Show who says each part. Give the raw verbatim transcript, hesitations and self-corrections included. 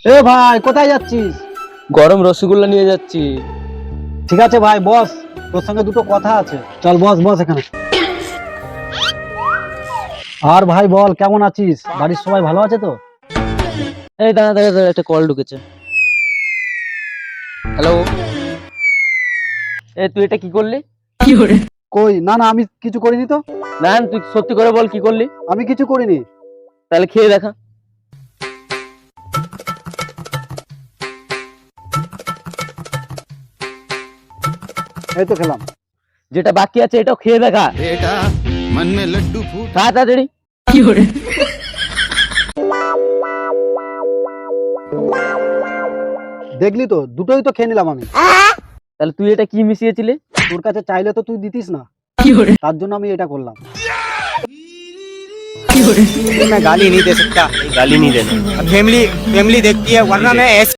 Speaker 1: এ ভাই কোথায় যাচ্ছিস?
Speaker 2: গরম রসগোল্লা নিয়ে যাচ্ছি।
Speaker 1: ঠিক আছে ভাই বস, তোর সঙ্গে দুটো কথা আছে। চল বস বস এখানে। আর ভাই বল, কেমন আছিস? বাড়ির সবাই ভালো আছে তো?
Speaker 2: এই দাঁড়া দাঁড়া দাঁড়া, একটা কল ঢুকেছে। হ্যালো, এ তুই এটা কি করলি?
Speaker 1: কই না না, আমি কিছু করিনি তো।
Speaker 2: না তুই সত্যি করে বল কি করলি?
Speaker 1: আমি কিছু করিনি।
Speaker 2: তাহলে খেয়ে দেখা।
Speaker 1: এই তো খেলাম।
Speaker 2: যেটা বাকি আছে এটাও খেয়ে দেখা।
Speaker 3: बेटा मन में लड्डू फूट
Speaker 2: খা তাড়াতাড়ি।
Speaker 1: দেখলি তো, দুটোই তো খেয়ে নিলাম আমি।
Speaker 2: তাহলে তুই এটা কি মিশিয়েছিলি?
Speaker 1: তোর কাছে চাইলে তো তুই দিতিস না, তার জন্য আমি এটা করলাম।
Speaker 4: मैं गाली नहीं दे सकता।
Speaker 5: गाली नहीं देना।
Speaker 4: फैमिली फैमिली देखती है वरना मैं ऐसे